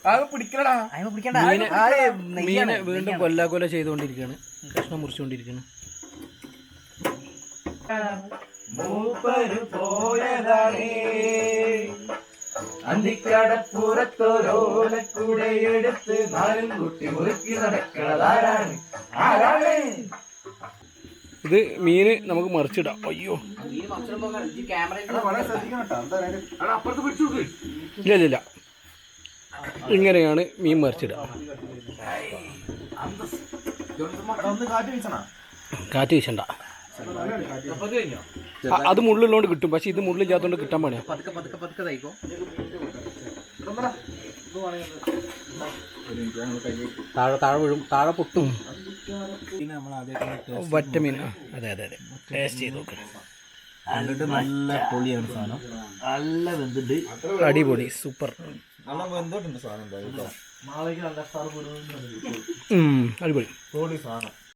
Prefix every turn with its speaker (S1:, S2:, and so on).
S1: മീനെ വീണ്ടും കൊല്ലാകൊല ചെയ്തുകൊണ്ടിരിക്കുകയാണ്. കഷ്ണം മുറിച്ചുകൊണ്ടിരിക്കുകയാണ്.
S2: അന്തിക്കടപ്പുറത്തോരോലക്കൂടെ നാലും കുട്ടി മുറുക്കി നടക്കണതാരാണ്? ആരാണ്?
S1: ഇത് മീന് നമുക്ക് മറിച്ചിടാം. അയ്യോ ഇല്ല ഇല്ല, ഇങ്ങനെയാണ് മീൻ മറിച്ചിടുക. കാറ്റ് വീശണ്ട. അത് മുള്ളുള്ളതുകൊണ്ട് കിട്ടും, പക്ഷെ ഇത് മുള്ളില്ലാത്തതുകൊണ്ട് കിട്ടാൻ പണിയാ. താഴെ വീഴും, താഴെ പൊട്ടും. വറ്റമീൻ. അതെ അതെ അതെ, ടേസ്റ്റ് ചെയ്ത് നോക്കണം.
S2: നല്ല പൊളിയാണ് സാധനം, നല്ല വെന്തിട്ട്
S1: അടിപൊളി, സൂപ്പർ,
S2: നല്ല വെന്തിട്ടുണ്ട് സാധനം.
S1: അടിപൊളി.
S2: സാധനം